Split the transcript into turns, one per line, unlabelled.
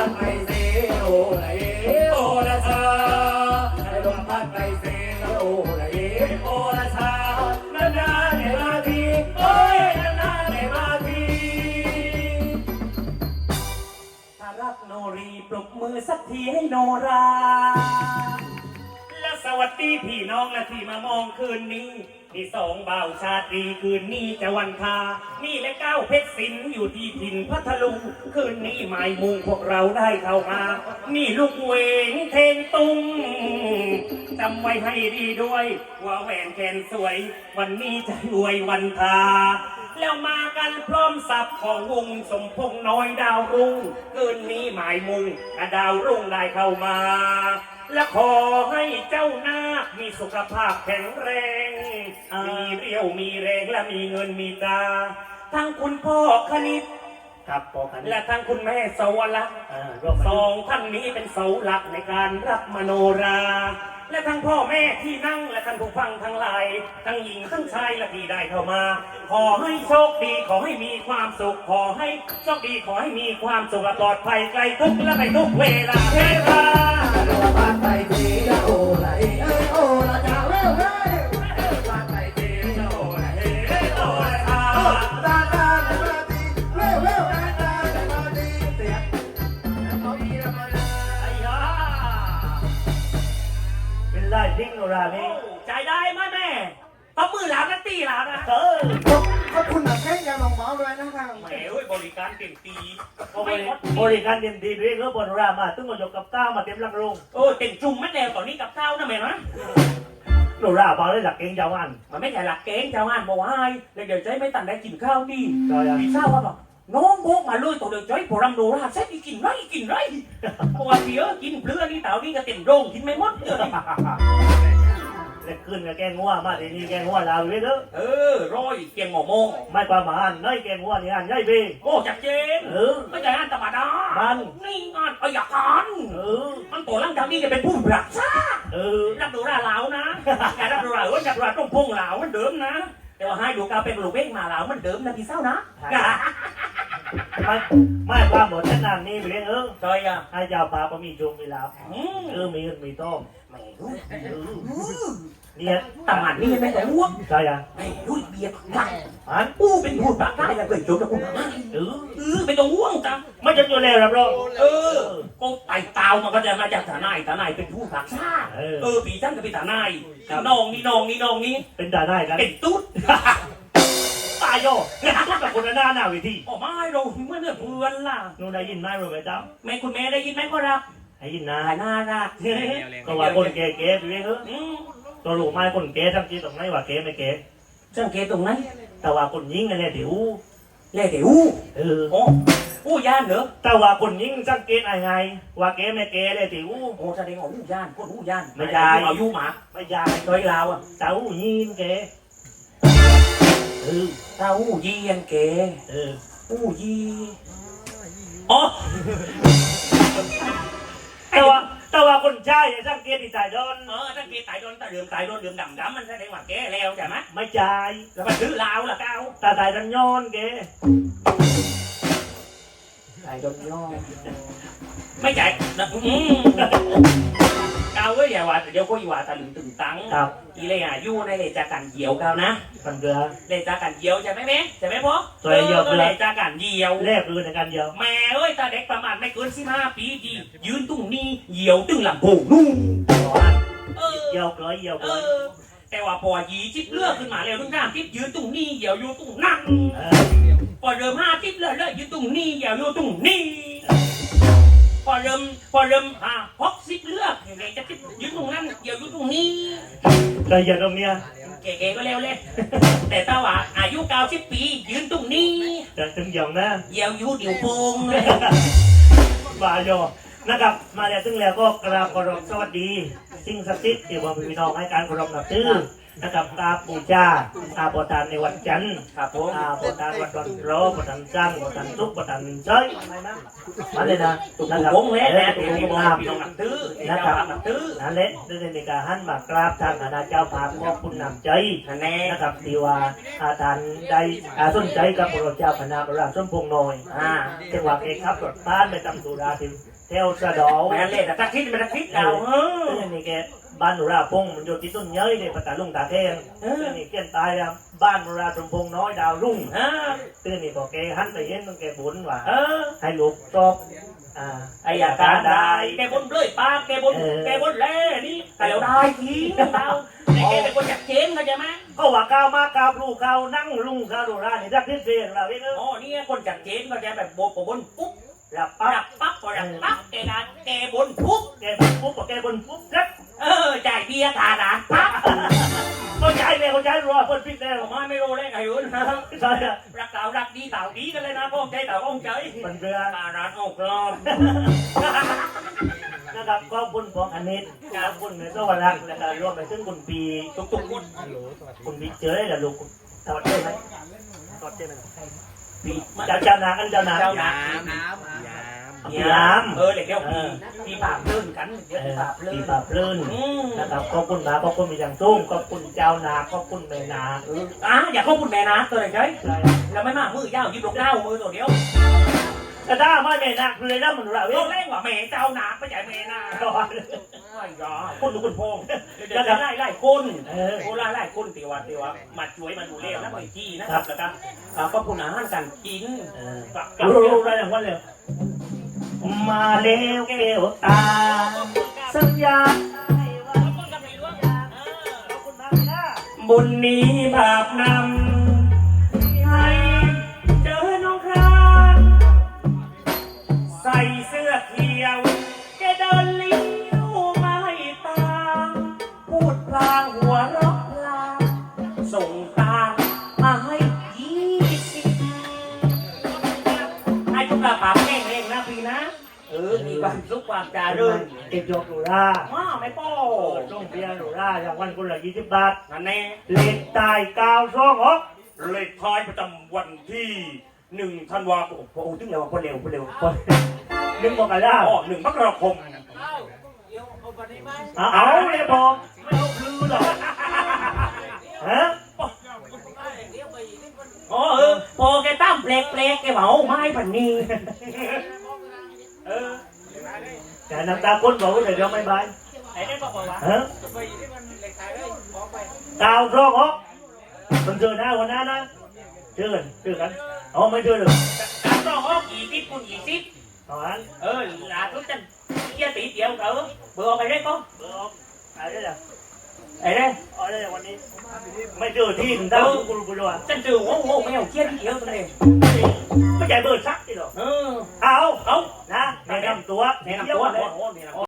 ดไปเซโอละเอโอละชาให้ลมพัดไปเซโอละเอโอละชานานๆในมาทีโอ้ยนานๆในมาทีถ้ารักโนรีปรบมือสักทีให้โนราและสวัสดีพี่น้องและที่มามองคืนนี้ที่สองบ่าวชาตรีคืนนี้จะวันทานี่และก้าวเพชรศิลป์อยู่ที่ถิ่นพัทลุงคืนนี้หมายมุงพวกเราได้เข้ามานี่ลูกเวงเทงตุงจำไว้ให้ดีด้วยว่าแหวนแขนสวยวันนี้จะรวยวันทาแล้วมากันพร้อมสับของวงสมพงษ์น้อยดาวรุ่งคืนนี้หมายมุงดาวรุ่งได้เข้ามาและขอให้เจ้านาคมีสุขภาพแข็งแรงมีเรี่ยวมีแรงและมีเงินมีตาทั้งคุณพ่อคณิตครับพ่อคณิตและทั้งคุณแม่สวรรค์สองท่านนี้เป็นเสาหลักในการรับมโนราและทั้งพ่อแม่ที่นั่งและท่านผู้ฟังทั้งหลายทั้งหญิงทั้งชายและที่ได้เข้ามาขอให้โชคดีขอให้มีความสุขขอให้โชคดีขอให้มีความสุขปลอดภัยไกลทุกข์และไปทุกเวลาเทพาโลภะไปทีละโอละเอโอละจ้าเว้ยเว้ยโลภะไปทีละโอละเอโอละจ้าดาดาในมาดีเว้ยเว้ยดาดาในมาดีเสียงเขามีละมาดาไอ้ยาเป็นไรดิ้งโนรานี่ใจได้ไหมแม่ต้องมือหลานนะตีหลานนะ
ขอบคุณหนักแค่ยังลองเมาด้วยนะครับ
แหมบริการเต็มตี
บริการเต็มตีด้วยก็บนรามาตึ้งก็ยกกับข้าวมาเต็มลังโรง
เต็มจุ่มไม่แล้วตอนนี้กับข้าวนะแม่นะ
โนราบางเลยหลักเก่งยาวอัน
มันไม่ใช่หลักเกณฑ์ชาวบ้านบอกว่าเดี๋ยวใจไม่ตันได้กินข้าวดีพี่ทราบว่าแบบน้องโบกมาเลยตัวเดี๋ยวใจพอรำโนราเสร็จกินไรเพราะว่าเดี๋ยวกินเปลือกนี่เต่านี่ก็เต็มโรงกินไม่หมด
เล็กขึ้นกับแกงงัวมาทีนี้แกงงัวลาวเลยเด้อ
ร้อยเกียงหมอโมง
ไม่ประมาณน้อยแกงงัวนี่อันใหญ่เบ้
จัดเจนไม่ใช่อันธรรมดานี่งานประหยัดกันมันตัวร่างกายนี่จะเป็นผู้รักษารับดูราเหลานะแกรับดูรารับดูราต้องพงเหลามันเดิมนะแต่ว่าให้ดูกาเป็นลูกเบ้งมาเหลามันเดิมนะพี่เศร้านะ
ไม่ความหมดฉันนานนี่ไปเลย
ใช่
ให้เจ้าป่าก็มีจงมีลาบมีเงินมีต้มเนี่ย
ตำมันนี่ไม่แต่อ้วก
ใช่
ไม่รู้เบียร์ผักเป็นพูดปากได้ยังเคยจบกับคุณเป็นตัวอ้วงจัง
ไม่จะอยู่แล้วรับรอง
ก็ไต่เตามันก็จะมาจากฐานายเป็นผู้ผักชาปีท่านกับปีฐานายน้องนี่
เป็นฐานายกัน
เป็นตุ๊ด
ตายโย่ตุ๊ดกับคนหน้าหน้าวิธี
ไม่เราเมื่อเพื่อนล่ะ
นูได้ยินไหมรู้ไหมเจ้า
แม่คุณแม่ได้ยินไหมก็รับ
ได้ยินนะ
น่ารัก
ก็ว่าคนเก๋ๆไปเลยตัวลูกไม้คนเก๋ทั้งที่ตรงไหนว่าเก๋ไม่เก๋
จังเก๋ตรงไหน
แต่ว่าคนยิงนั่นแหละเดี๋ยว
ย่านเหรอ
แต่ว่าคนยิงสังเกตไงว่าเก๋ไม่เก๋เลยเดี๋ยว
แสดงว่าย่านคนย่าน
ไม่ใช่
เอายุหมา
ไม่ใช่
โดยเรา
เต้ายิงเก๋
เต้ายีนเก๋ยี
แต่ว่าคนใช่สังเกตที่ตายโดน
สังเกตตายโดนเดือมดำมันแสดงว่าแกแล้วใช่ไหม
ไม่ใช่
แล้วมันซื้อลาวล่ะเก้า
ตายโดนย้อนแก
ตายโดนย้อนไม่ใช่เก้าเว้ยอย่าว่าเดี๋ยวก็อย่าว่าตะลึงตึงตังอีเลยยู่ในเลยจากการเหี่ยวเก้านะ
มันเกลือ
เลยจากการเหี่ยวใช่ไหมแม่ใช่ไหมพ่อเลยจากการเหี่ยว
แรกคือในการเหี่ยว
แม่เอ้ยตาเด็กประมาณไม่เกิน15 ปีดียืนตุ้งนี่เหี่ยวตึงหลังโผล่นู่น
เหี่ยวเกลือ
แต่ว่าพอ20เลือกขึ้นมาแล้วทุกท่านทิพยืนตุ้งนี่เหี่ยวอยู่ตุ้งนั่งพอเริ่ม50เลยยืนตุ้งนี่เหี่ยวอยู่ตุ้งนี่พอเริ่ม60เลือกยังไงจะยืนตรงนั้นเหี่ยวอยู่ตรงนี้
แต่อย่าตรงเนี้ย
เก๋ๆก็เร็วเลยแต่ถ้าว่าอายุ90 ปียืนตรงนี้
จะถึงอย่างนะ
เหี่ยวอยู่เดี๋ยวโป่ง
บาโยนะครับมาแล้วถึงแล้วก็กราบขอรบสวัสดีสิ่งศักดิ์สิทธิ์ที่ว่าพี่น้องให้การขอรบนับถือนะครับกราบบูชาโปรดทานในวันจันทร์
ครับผม
โปรดทานวันวันโรโปรดทานสร้างโปรดทานทุกโปรดทานเฉยมาเลยนะ
ตุก
นะครับ
วงเล็กนะ
ตุ
ที่
ก
พี่
วง
น้อง
งาม
พี่น้องนักตื้อ
นะครับ
นักตื้อ
นั่นแหละได้ในการหันมากราบทางคณะเจ้าภาพขอบคุณนำใจ
คะแนน
นะครับที่ว่าทานได้สนใจกับพระเจ้าคณะพระราชสมพงษ์น้อยจังหวัดเอกครับรถบ้านไปตำสุราถึงเทวสะดอ
แม่เล่แต่ทักทิศเป็นทักทิศเรา
ซึ่งนี่แกบ้านหนูราพงษ์มันอยู่ที่ต้นเย้ยในปัตตาลุงตาแข้งซึ่งนี่เกี้ยนตายแล้วบ้านหนูราสมพงษ์น้อยดาวรุ่งซึ่งนี่พอแกหันไปเห็นมันแกบุญว่าให้ลูกชอบ
ไอ้ยาการได้แกบนเลยป้าแกบนแล่นี่แต่เราได้ทีเราไอ้แกเป็นคนจัดเชนเข้าใจไหม
ก็ว่าก้าวมาก้าวลูกก้าวนั่งลุงก้าวดูรานี่รักที่เสียงเราเอง
อ๋อนี่คนจัดเชนเข้าใจแบบบนปุ๊บ
รับ
ดับปั๊บพอดับปั๊บแกนะแกบนปุ๊บ
แกปุ๊บแกบนปุ๊บครับ
จ่ายเบียร์ทาดานปั๊บ
เขาใช้เลยเขาใช้รัวเพิ่นพิษแล้ว
ผมไม่รู้เลยไงยุ่น
ใช่
รักเต่ารักดีเต่าดีกันเลยนะพ่อใจเต่าองใจ
มันเรือ
ทาดานออกกลอม
นะครับขอบคุณของอันนี้ขอบคุณในสวรรค์นะครับรวมไปถึงคุณปี
ทุกคน
คุณปีเจอได้หรือลูกถอดได้ไหมถอดได้ไหม
ปี
เจ้านาอันเจ้านา
เจ้าน้
น้ำ
ำเดี๋ยวปีปากลื่นกันเดี๋ยวปีปากลื่
ปี
น
ปราบลื่นนะครับขอบคุณมาขอบคุณมีอย่างสูงขอบคุณเจ้านาขอบคุณแม่นา
อย่าเข้าคุณแม่นะตัวไหนใช่แล้วไม่มากมือยาวยิบลงหน้ามือตัวเดียว
แต่ถ้าไม่แม่นาเลยนะมันระเว
ต้
ง
แรงกว่าแม่เจ้าหนาไม่ใช่แม่นะไม่ยอคุณดูคุณพงเดี๋ยวจะไล่คนโอ้ไล่คนตีว่ามาช่วยมาดูเล่แล้วไปที่นะครับแล้วก็ก็คุณอาหารการกิน
รู้ได้อย่างว่าเลยมาเร็วเกลตาสัญญาบุญนี้บาปนำให้เจอน้องครานใส่เสื้อเขียวแกเดินเลี้ยวไม่ตามพูดพลางหัวเราะพลางส่งตามาให้20ให้ทุกกระป๋าแห้งๆนะพี่นะมีความสุขความจารึกเก็บยกหนูล่าไม่ป้อต้องเพียหนูล่าอย่างวันคนละ20 บาทนั่นแน่เลขตาย926เลขท้ายประจำวันที่1 ธันวาคมโอ้ถึงแล้วคนเร็ว1 มกราคม1 มกราคมเอาเลยพอไม่เอาพลือหรอกฮะ
พอแกตั้มเปลกแกเมาไม้พันนี้
แต่น้ำตาคนบอกว่าเดี๋ยวไม่บาย
ไอ้ได้บอกว่า
ฮะ926มันเจอหน้าวันนั้นนะเจอกันไม่เจอเลย
ต้องออก20คุณ20
ตอนนั้น
ลาทุกท่านเกี่ยตีเดียวเบอร์ไปได้ก็
อะไรล่ะ
ไอ้ได้
วันนี้ไม่เจอที่ถึงได้กูรู้ว่า
ฉันเจอโง่ไม่เอาเกี่ยเดียวตัวเอง
ไม่ใช่เบอร์ซักที่หรอเอานะแนะนำตัว